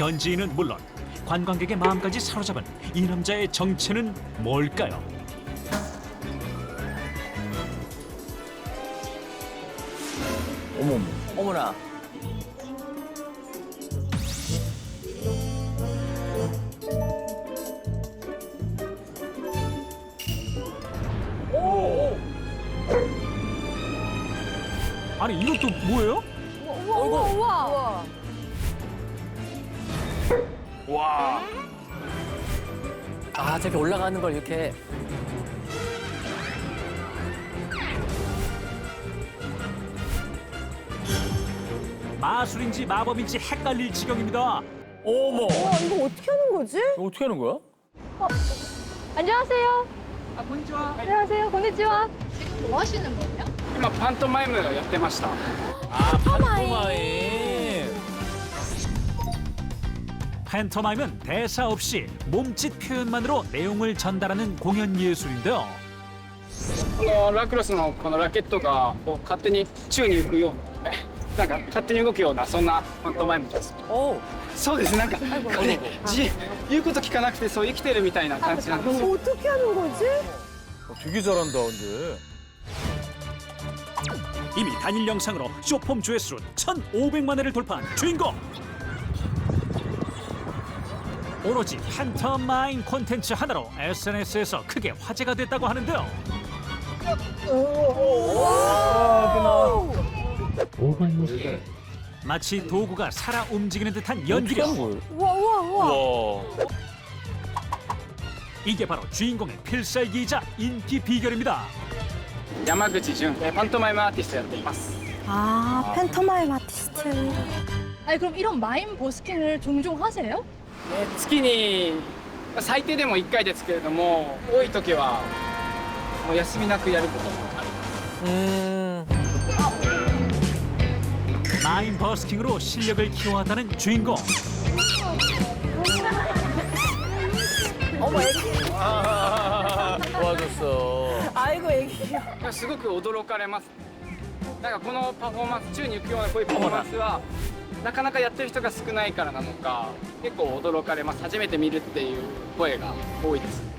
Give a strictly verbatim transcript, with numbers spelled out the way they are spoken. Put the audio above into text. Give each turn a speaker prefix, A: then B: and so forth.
A: 현지인은 물론 관광객의 마음까지 사로잡은 이 남자의 정체는 뭘까요?
B: 어머머.
C: 어머나.
A: 아니 이것도 뭐예요?
D: 우와 우와 우와.
B: 와.
C: 아, 저렇게 올라가는 걸 이렇게.
A: 마술인지 마법인지 헷갈릴 지경입니다.
B: 어머.
D: 와 이거 어떻게 하는 거지?
B: 이거 어떻게 하는 거야?
E: 안녕하세요. 아, 곤니치와. 안녕하세요. 곤니치와.
F: 今パントマイムやってました。
B: 아, 판토마임.
A: 팬터마임은 대사 없이 몸짓 표현만으로 내용을 전달하는 공연 예술인데요.
F: このラクロスのこのラケットがこう勝手に宙に浮くような、なんか勝手に動くようなそんなパントマイムです。
C: 오.
F: そうです。なんかこれじ言うこと聞かなくてそう生きてるみたいな感じなんですよ。
D: 어떻게 하는 거지?
B: 어, 되게 잘한다, 근데.
A: 이미 단일 영상으로 쇼폼 조회수 천오백만 회를 돌파한 주인공. 오로지 팬터마임 콘텐츠 하나로 에스엔에스에서 크게 화제가 됐다고 하는데요. 마치 도구가 살아 움직이는 듯한
B: 어떻게
A: 연기력.
B: 하는 거예요?
D: 우와 우와 우와.
B: 와.
A: 이게 바로 주인공의 필살기이자 인기 비결입니다.
F: 山口純えパントマイムアーティストやっています。
D: 아 팬터마임 아티스트.
E: 아니 그럼 이런 마임 버스킹을 종종 하세요?
F: ね月に最低でもいっかいですけれども多い時はもう休みなくやることもある。
C: 음.
A: 마임 버스킹으로 실력을 키워왔다는 주인공.
D: 어머 애기.
C: 도와줬어.
D: 아이고 애기.
F: いやすごく驚かれます。なんかこのパフォーマンス宙に浮くようなこういうパフォーマンスはなかなかやってる人が少ないからなのか結構驚かれます。初めて見るっていう声が多いです。